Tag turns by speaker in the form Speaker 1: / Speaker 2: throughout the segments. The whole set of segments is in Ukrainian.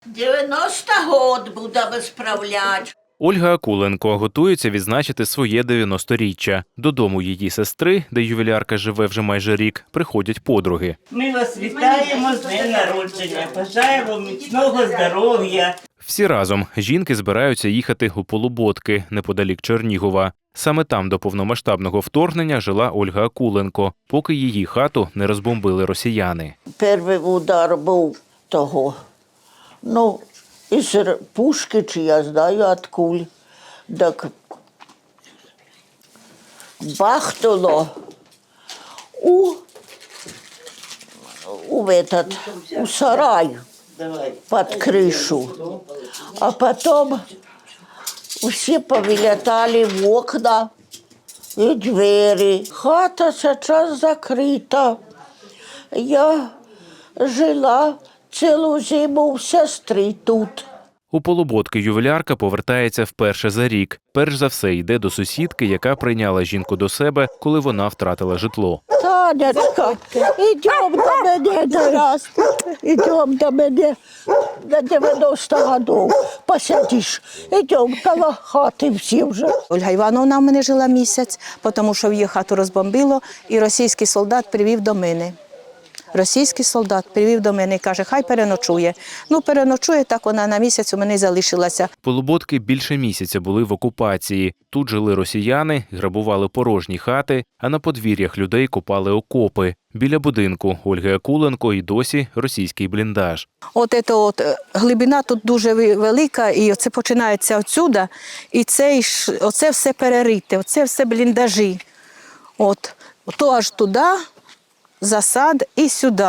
Speaker 1: 90 год будемо справляти.
Speaker 2: Ольга Акуленко готується відзначити своє 90-річчя. Додому її сестри, де ювілярка живе вже майже рік, приходять подруги.
Speaker 3: Ми вас вітаємо з днем народження, бажаємо міцного здоров'я.
Speaker 2: Всі разом жінки збираються їхати у Полуботки, неподалік Чернігова. Саме там до повномасштабного вторгнення жила Ольга Акуленко, поки її хату не розбомбили росіяни.
Speaker 1: Перший удар був того. Із пушки, чи я знаю, від куль. Так бахнуло у сарай під кришу. А потім всі повилітали в окна і двері. Хата зараз закрита. Я жила цілу зиму у сестри тут.
Speaker 2: У Полуботки ювілярка повертається вперше за рік. Перш за все йде до сусідки, яка прийняла жінку до себе, коли вона втратила житло.
Speaker 1: Танечка, йдемо до мене зараз. Йдемо до мене на 90 років. Посидиш. Йдемо коло хати всі вже.
Speaker 4: Ольга Івановна в мене жила місяць, тому що її хату розбомбило, і російський солдат привів до мене. Російський солдат привів до мене і каже, хай переночує. Переночує, так вона на місяць у мене залишилася.
Speaker 2: Полуботки більше місяця були в окупації. Тут жили росіяни, грабували порожні хати, а на подвір'ях людей копали окопи. Біля будинку Ольги Акуленко і досі російський бліндаж.
Speaker 4: Глибина тут дуже велика, і оце починається отсюда, і оце все перерите, оце все бліндажі. То аж туди, засад і сюди.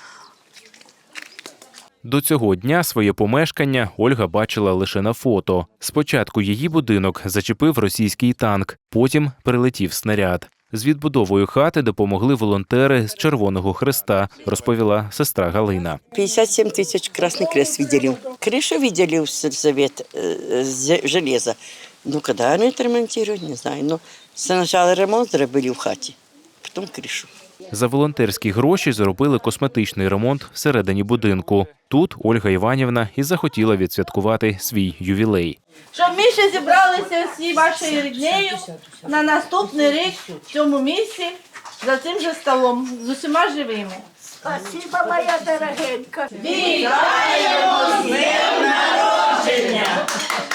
Speaker 2: До цього дня своє помешкання Ольга бачила лише на фото. Спочатку її будинок зачепив російський танк, потім прилетів снаряд. З відбудовою хати допомогли волонтери з Червоного Хреста, розповіла сестра Галина.
Speaker 5: 57 тысяч Красный Крест виделил. Крышу видели в сельсовет железа. Когда они это ремонтируют, не знаю. Сначала ремонт зробили в хаті, потім кришу.
Speaker 2: За волонтерські гроші зробили косметичний ремонт всередині будинку. Тут Ольга Іванівна і захотіла відсвяткувати свій ювілей.
Speaker 6: Щоб ми ще зібралися всі вашою ріднею на наступний рік в цьому місці, за цим же столом, з усіма живими.
Speaker 1: Спасибо, моя дорогенька.
Speaker 6: Вітаємо з днем народження!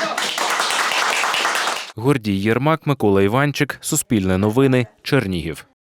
Speaker 2: Гордій Єрмак, Микола Іванчик, Суспільне новини, Чернігів.